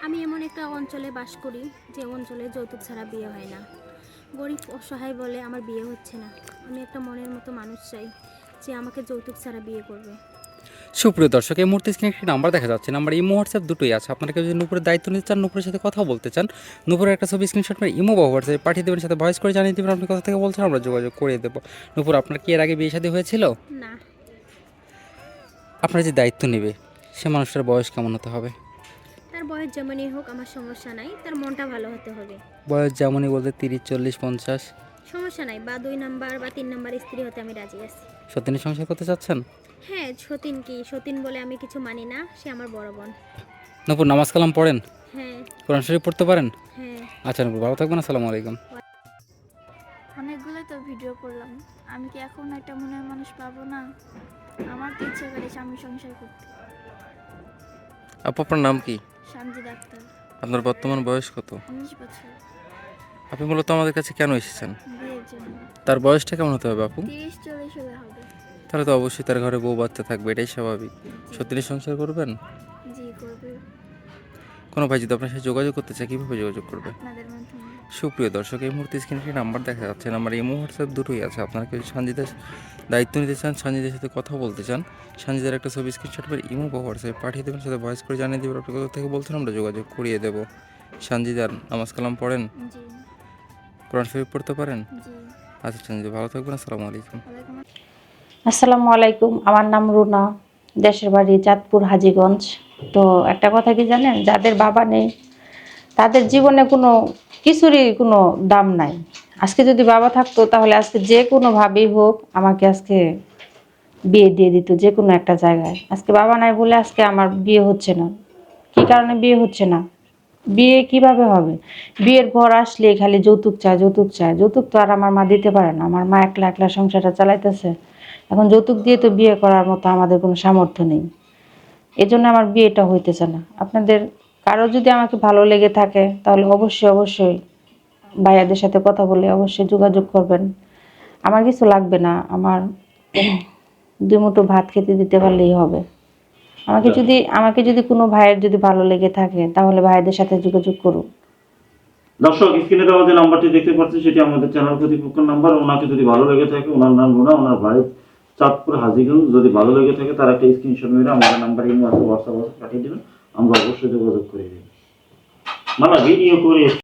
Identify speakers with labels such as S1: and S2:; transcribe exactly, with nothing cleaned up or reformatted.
S1: আমি এমন একটা অঞ্চলে বাস করি যে অঞ্চলে যৌতুক ছাড়া বিয়ে হয় না। গরিব অসহায় বলে আমার বিয়ে হচ্ছে না। আমি একটা মনের মতো মানুষ চাই যে আমাকে যৌতুক ছাড়া বিয়ে করবে।
S2: সুপ্রিয় দর্শক, এই মুহূর্তে স্ক্রিনে একটি নাম্বার দেখা যাচ্ছে। নাম্বার ইমো হোয়াটসঅ্যাপ দুটোই আছে। আপনারা কেউ যদি নুপুরের দায়িত্ব নিতে চান, নুপুরের সাথে কথা বলতে চান, নুপুরের একটা ছবি স্ক্রিনশট করে ইমো বা হোয়াটসঅ্যাপে পাঠিয়ে দেবেন, সাথে ভয়েস করে জানিয়ে দেবেন আপনি কোথা থেকে বলছেন, আমরা যোগাযোগ করে দেবো। নুপুর, আপনার কি এর আগে বিয়ে শাদী হয়েছিল?
S1: না।
S2: আপনার যে দায়িত্ব নেবে সে মানুষটার বয়স কেমন হতে হবে?
S1: তার বয়স যেমনই হোক আমার সমস্যা নাই, তার মনটা ভালো হতে হবে।
S2: বয়স যেমনই বলতে তিরিশ, চল্লিশ, পঞ্চাশ?
S1: সমস্যা নাই, বা দুই নাম্বার বা তিন নাম্বার স্ত্রী হতে আমি রাজি আছি।
S2: সত্যিই সংসার করতে চাচ্ছেন?
S1: হ্যাঁ, সতীন কি সতীন বলে আমি কিছু মানি না, সে আমার বড় বোন।
S2: নুপুর, নামাজ কালাম পড়েন?
S1: হ্যাঁ।
S2: কোরআন শরীফ পড়তে পারেন?
S1: হ্যাঁ।
S2: আচ্ছা নুপুর, ভালো থাকবেন। আসসালামু আলাইকুম।
S3: অনেকগুলোই তো ভিডিও করলাম, আমি কি এখন একটা মনের মানুষ পাবো না? আমার তো ইচ্ছে করে স্বামী সংসার করতে।
S2: আপু, আপনার নাম কি?
S3: শান্তি ডাক্তার।
S2: আপনার বর্তমান বয়স কত?
S3: উনিশ বছর।
S2: আপনি মূলত আমাদের কাছে কেন এসেছেন?
S3: বিয়ের জন্য।
S2: তার বয়সটা কেমন হতে হবে আপু?
S3: তিরিশ চল্লিশ হলে হবে।
S2: তাহলে তো অবশ্যই তার ঘরে বউ বাচ্চা থাকবে, এটাই স্বাভাবিক। সত্যি সংসার করবেন?
S3: জি করবে।
S2: কোনো ভাই যদি আপনার সাথে যোগাযোগ করতে চায়, কীভাবে যোগাযোগ করবে?
S3: আপনাদের মাধ্যমে।
S2: সুপ্রিয় দর্শক, এই মুহূর্তে স্ক্রিনে একটি নাম্বার দেখা যাচ্ছে। নাম্বার ইমো হোয়াটসঅ্যাপ দুটোই আছে। আপনারা কেউ সঞ্জিতার দায়িত্ব নিতে চান, সঞ্জিতার সাথে কথা বলতে চান, সঞ্জিতার একটা ছবি স্ক্রিনশট করে ইমো বা হোয়াটসঅ্যাপে পাঠিয়ে দেবেন, সাথে ভয়েস করে জানিয়ে দেবেন আপনি কোথা থেকে বলছেন, আমরা যোগাযোগ করিয়ে দেবো। সঞ্জিতার নামাজ কালাম পড়েন?
S3: জি।
S2: কোরআন শরীফ পড়তে পারেন?
S3: জি।
S2: আচ্ছা সঞ্জিতা, ভালো থাকবেন। আসসালামু আলাইকুম।
S3: ওয়ালাইকুম
S4: আসসালামু আলাইকুম। আমার নাম রুনা, দেশের বাড়ি চাঁদপুর হাজীগঞ্জ। তো একটা কথা কি জানেন, যাদের বাবা নেই তাদের জীবনে কোনো কিছুরই কোনো দাম নাই। আজকে যদি বাবা থাকতো তাহলে আজকে যে কোনোভাবেই হোক আমাকে আজকে বিয়ে দিয়ে দিত, যে কোনো একটা জায়গায়। আজকে বাবা নাই বলে আজকে আমার বিয়ে হচ্ছে না। কি কারণে বিয়ে হচ্ছে না? বিয়ে কিভাবে হবে? বিয়ের ঘর আসলে খালি যৌতুক চায়, যৌতুক চায়। যৌতুক তো আর আমার মা দিতে পারে না, আমার মা একলা একলা সংসারটা চালাইতেছে। এখন যৌতুক দিয়ে তো বিয়ে করার মতো আমাদের কোনো সামর্থ্য নেই। এই জন্য আমার বিয়েটা হইতেছে না। আপনাদের কারো যদি আমাকে ভালো লেগে থাকে তাহলে অবশ্যই অবশ্যই ভাইয়াদের সাথে কথা বলে অবশ্যই যোগাযোগ করবেন। আমার কিছু লাগবে না, আমার দুই মুঠো ভাত খেতে দিতে পারলেই হবে। আমাকে যদি আমাকে যদি কোনো ভাইয়ের যদি ভালো লেগে থাকে তাহলে ভাইয়াদের সাথে যোগাযোগ করুন।
S5: দর্শক, স্ক্রিনে দেওয়া যে নাম্বারটি দেখতে পাচ্ছেন সেটি আমাদের চ্যানেল কর্তৃপক্ষের নাম্বার। ওনাকে যদি ভালো লেগে থাকে, ওনার নাম রুনা, ওনার বাড়ি চাঁদপুর হাজীগঞ্জ, যদি ভালো লেগে থাকে তার একটা স্ক্রিনশট মেরে আমাদের নাম্বারে হোয়াটসঅ্যাপ পাঠিয়ে দেবেন, আমরা অবশ্যই যোগাযোগ করে দেব। মানে ভিডিও করে